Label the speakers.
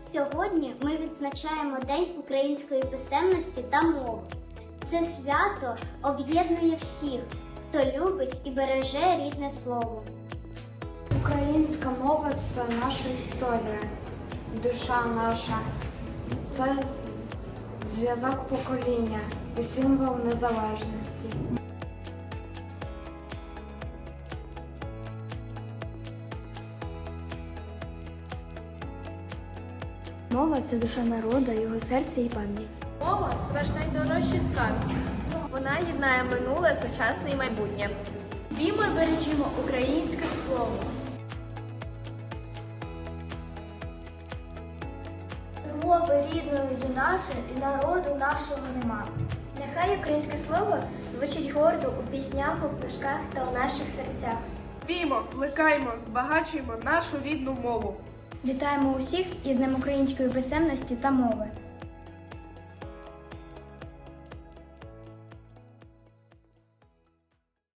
Speaker 1: Сьогодні ми відзначаємо День української писемності та мови. Це свято об'єднує всіх, хто любить і береже рідне слово.
Speaker 2: Українська мова – це наша історія, душа наша, це зв'язок покоління і символ незалежності.
Speaker 3: Мова – це душа народу, його серце і пам'ять.
Speaker 4: Мова – це наш найдорожчий скарб. Вона єднає минуле, сучасне і майбутнє. Біймо і бережімо українське слово.
Speaker 1: З мови рідної юначе і народу нашого нема. Нехай українське слово звучить гордо у піснях, у книжках та у наших серцях.
Speaker 5: Віймо, плекаймо, збагачуємо нашу рідну мову.
Speaker 3: Вітаємо усіх із Днем української писемності та мови.